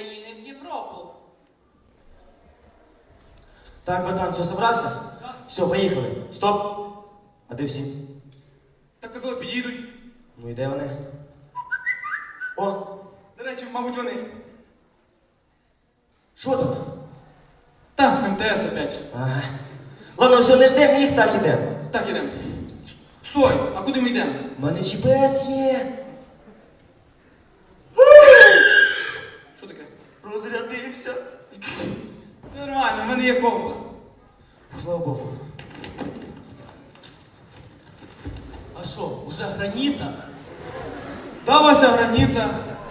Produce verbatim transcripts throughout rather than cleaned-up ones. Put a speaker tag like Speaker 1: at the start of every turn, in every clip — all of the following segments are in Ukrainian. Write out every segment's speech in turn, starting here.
Speaker 1: України в Європу.
Speaker 2: Так, братан, все, собрався?
Speaker 3: Так.
Speaker 2: Все, поїхали. Стоп. А де всі?
Speaker 3: Так казали, підійдуть.
Speaker 2: Ну і де вони? О,
Speaker 3: До речі, мабуть, вони.
Speaker 2: що там?
Speaker 3: Та, ем те ес опять.
Speaker 2: Ага. Ладно, все, не ждем їх, так ідемо.
Speaker 3: Так, ідемо. Стой, а куди ми йдемо?
Speaker 2: У мене джі пі ес є.
Speaker 3: Що таке?
Speaker 2: Розрядився.
Speaker 3: Все нормально, в мене є компас.
Speaker 2: Слава Богу.
Speaker 4: А що, уже границя?
Speaker 3: Да, Вася, границя.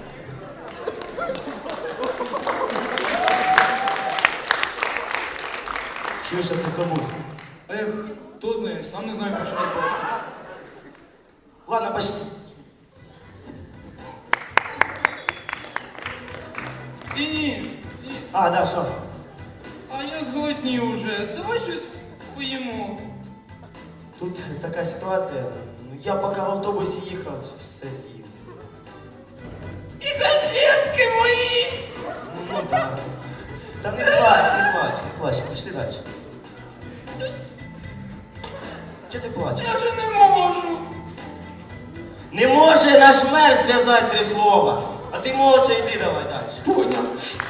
Speaker 2: Чуєш, а це кому?
Speaker 3: А я хто знає, сам не знаю, перший раз бачу.
Speaker 2: Ладно, пошли.
Speaker 3: Ні, ні, ні.
Speaker 2: А, да, що?
Speaker 3: А я зголоднів уже. Давай щось поїмо.
Speaker 2: Тут така ситуація. Ну, я поки в автобусі їхав, все з'їв.
Speaker 3: І котлетки мої!
Speaker 2: Ну, ну так. Та не плач, не плач, не плач, пішли далі. Чого ти плачеш?
Speaker 3: Я вже не можу.
Speaker 2: Не може наш мер зв'язати три слова. А ти молча йди давай далі.
Speaker 3: Понял.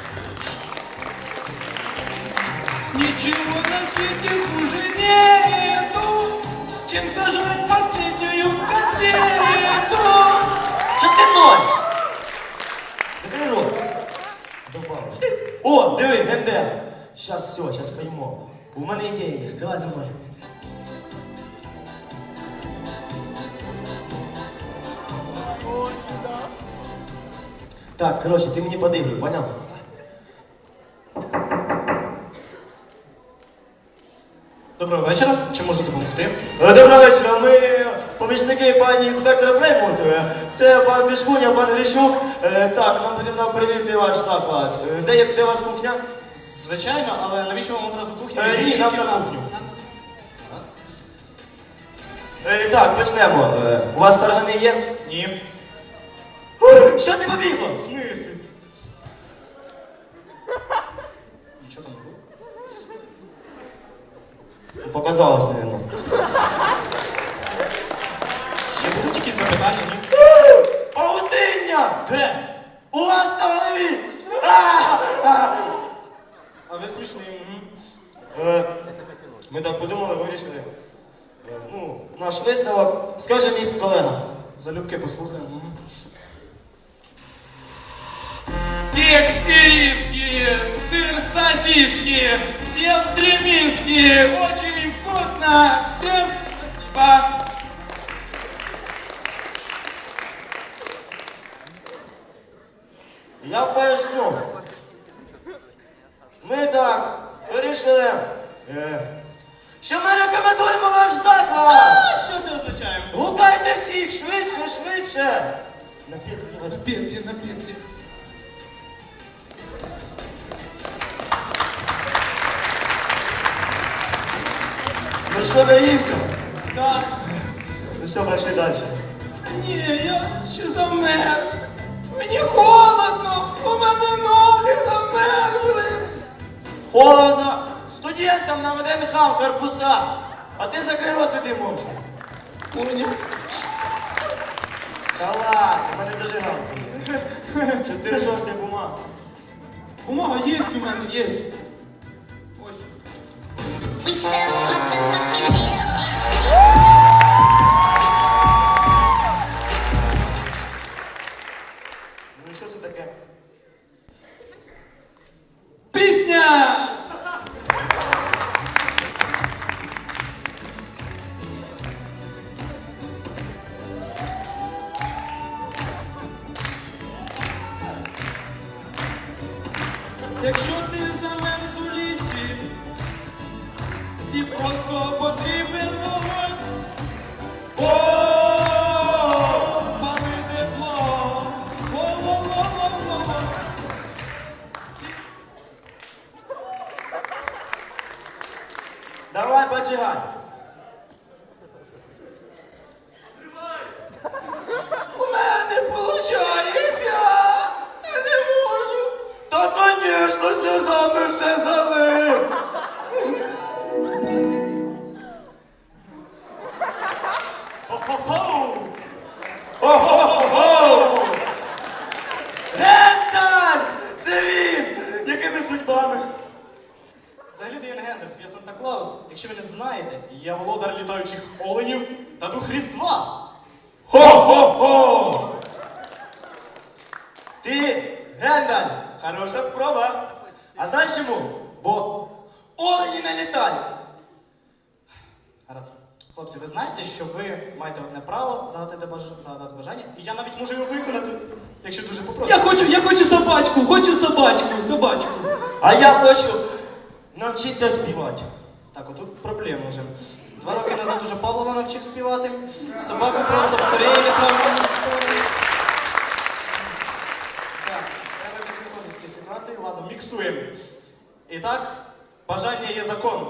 Speaker 3: Ничего на свете хуже нету, чем сожрать последнюю котлету.
Speaker 2: Чого ти ночиш? Закрий рот. Добавиш. О, диви, генделик. Щас все, щас поїмо. У мене ідея є. Давай за мною. Так, коротше, ти мені подигруй, поняв?
Speaker 5: Доброго вечора. Чи можу допомогти?
Speaker 2: Е, Доброго вечора, ми помічники пані інспектора Фреймут. Е, Це пан Дишкуня, пан Грищук. Е, Так, нам потрібно перевірити ваш заклад. Е, Де, є- де у вас кухня?
Speaker 5: Звичайно, але навіщо вам одразу кухня?
Speaker 2: Е,
Speaker 5: Ще
Speaker 2: Ні,
Speaker 5: інша
Speaker 2: нам на
Speaker 5: кімната.
Speaker 2: кухню. Е, Так, почнемо. Е, У вас таргани є?
Speaker 5: Ні.
Speaker 2: Е, Що це побігло?
Speaker 5: В смислі? Нічого там не було?
Speaker 2: Показалось, мабуть.
Speaker 5: Ще будуть якісь запитання, ні?
Speaker 2: Паутиння!
Speaker 5: Де?
Speaker 2: У вас на голові! А! А!
Speaker 5: А ви смішні. Мгм.
Speaker 2: Е, Ми так подумали, вирішили. Е, Ну, наш висновок, скаже мій колега.
Speaker 5: Залюбки послухаємо. Мгм.
Speaker 3: Кекс ириски, сыр сосиски, всем три миски, очень вкусно, всем спасибо.
Speaker 2: Я поясню. Ми так вирішили, е, що ми рекомендуємо ваш заклад.
Speaker 5: А що це означає?
Speaker 2: Гукайте всіх, швидше, швидше. На п'ятки,
Speaker 3: На петли, на петли.
Speaker 2: Ну що, наївся?
Speaker 3: Да.
Speaker 2: Ну все, пошли далі.
Speaker 3: Не, я ще замерз. Мені холодно, у мене ноги замерзли.
Speaker 2: Холодно. Студентам на ВДНХ в корпуса. А ти закрий рот, іди можна.
Speaker 3: Понял?
Speaker 2: Та ладно, в мене зажигалка є. Чотири жовтні бумаги.
Speaker 3: Бумага є у мене, є. Ось.
Speaker 6: We sell motherfucking deal.
Speaker 2: Ну і що це таке?
Speaker 3: Пісня! Якщо ти замерз у лісі і просто потрібен вогонь, о, пали тепло, о-о-о-о-о.
Speaker 2: Давай, поджигай.
Speaker 3: У мене виходить! Я не можу!
Speaker 2: То смішно сльозами все залив.
Speaker 5: Хо-хо-хо!
Speaker 2: О-хо-хо-хо! Гендальф! Це він! Якими судьбами?
Speaker 5: Взагалі-то я не Гендальф, я Санта-Клаус. Якщо ви не знаєте, я володар літаючих оленів та дух Різдва.
Speaker 2: Хо-хо-хо! Ти, Гендальф, хороша спроба. А знаєш чому? Бо олені не літають.
Speaker 5: Гаразд. Хлопці, ви знаєте, що ви маєте одне право загадати, баж... загадати бажання, і я навіть можу його виконати, якщо дуже попросите.
Speaker 3: Я хочу, я хочу собачку, хочу собачку, собачку.
Speaker 2: А я хочу навчитися співати.
Speaker 5: Так, отут проблема вже. Два роки назад уже Павлова навчив співати. Собаку просто в Кореї неправильно. Так, треба відсвітлити з цієї ситуації. Ладно, міксуємо. І так, бажання є закон.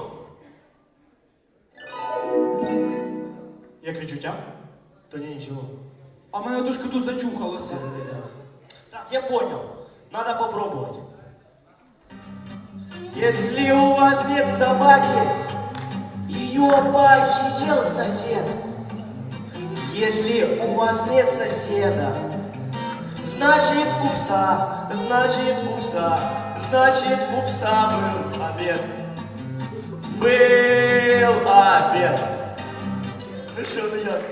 Speaker 5: Як відчуття?
Speaker 2: То ні, нічого.
Speaker 3: А мене трошки тут зачухалося.
Speaker 2: Так, я понял. Надо попробовать. Если у вас нет собаки, ее похитил сосед. Если у вас нет соседа, значит у пса, значит у пса, значит у пса был обед. Был обед. Ну что, ну я?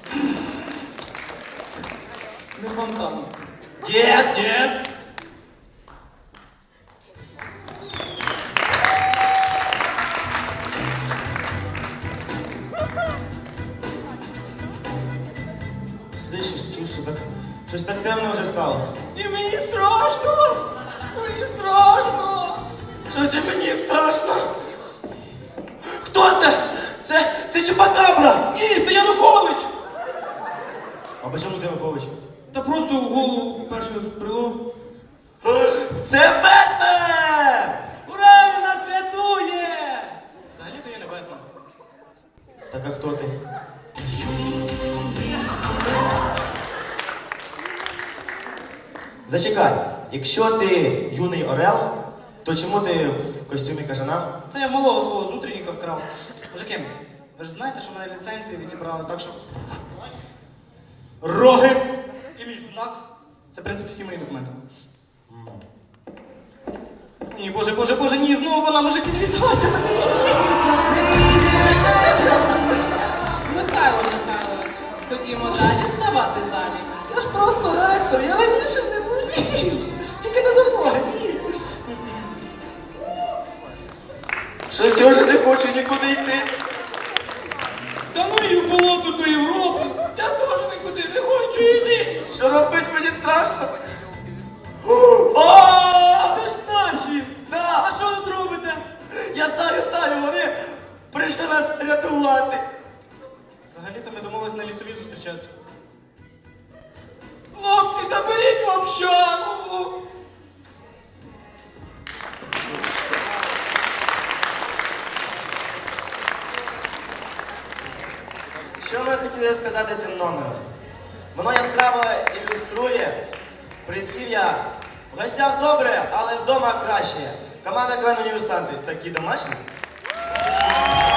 Speaker 3: Не фонтан.
Speaker 2: Дед!
Speaker 3: Нет.
Speaker 2: Слышиш, чуєш, що так, щось так темно вже стало.
Speaker 3: І мені страшно. Мені страшно.
Speaker 2: Щось і мені страшно. Хто це? Це, це Чупакабра!
Speaker 3: Ні, це Янукович.
Speaker 2: А по чому ти Янукович?
Speaker 3: Та просто в голову перше збрело.
Speaker 2: Це Бетмен!
Speaker 3: Ура, він нас рятує!
Speaker 5: Взагалі-то я не Бетмен.
Speaker 2: Так а хто ти? Зачекай, якщо ти юний орел, то чому ти в костюмі кажана?
Speaker 5: Це я в малого свого з утренника вкрав. Мужики, ви ж знаєте, що в мене ліцензію відібрали, так що... Роги і мій знак. Це, в принципі, всі мої документи. Ні, боже, боже, боже, ні, знову вона, мужики, не віддавайте мене.
Speaker 1: Михайло Михайлович, ходімо далі ставати залі.
Speaker 5: Я ж просто ректор, я раніше не болів. Тільки не за ноги, ні.
Speaker 2: Щось я вже не хочу нікуди йти.
Speaker 3: Та ну і в болото до Європи. Я теж нікуди не хочу йти.
Speaker 2: Що робить, мені страшно. О!
Speaker 3: Це ж наші.
Speaker 2: Да!
Speaker 3: А що тут робите?
Speaker 2: Я знаю, знаю, вони прийшли нас рятувати.
Speaker 5: Взагалі-то ми домовились на лісові зустрічатися.
Speaker 3: Хлопці, заберіть в общагу.
Speaker 2: Що ми хотіли сказати цим номером? Воно яскраво ілюструє прислів'я в гостях добре, але вдома краще. Команда КВН «Універсанти» такі домашні.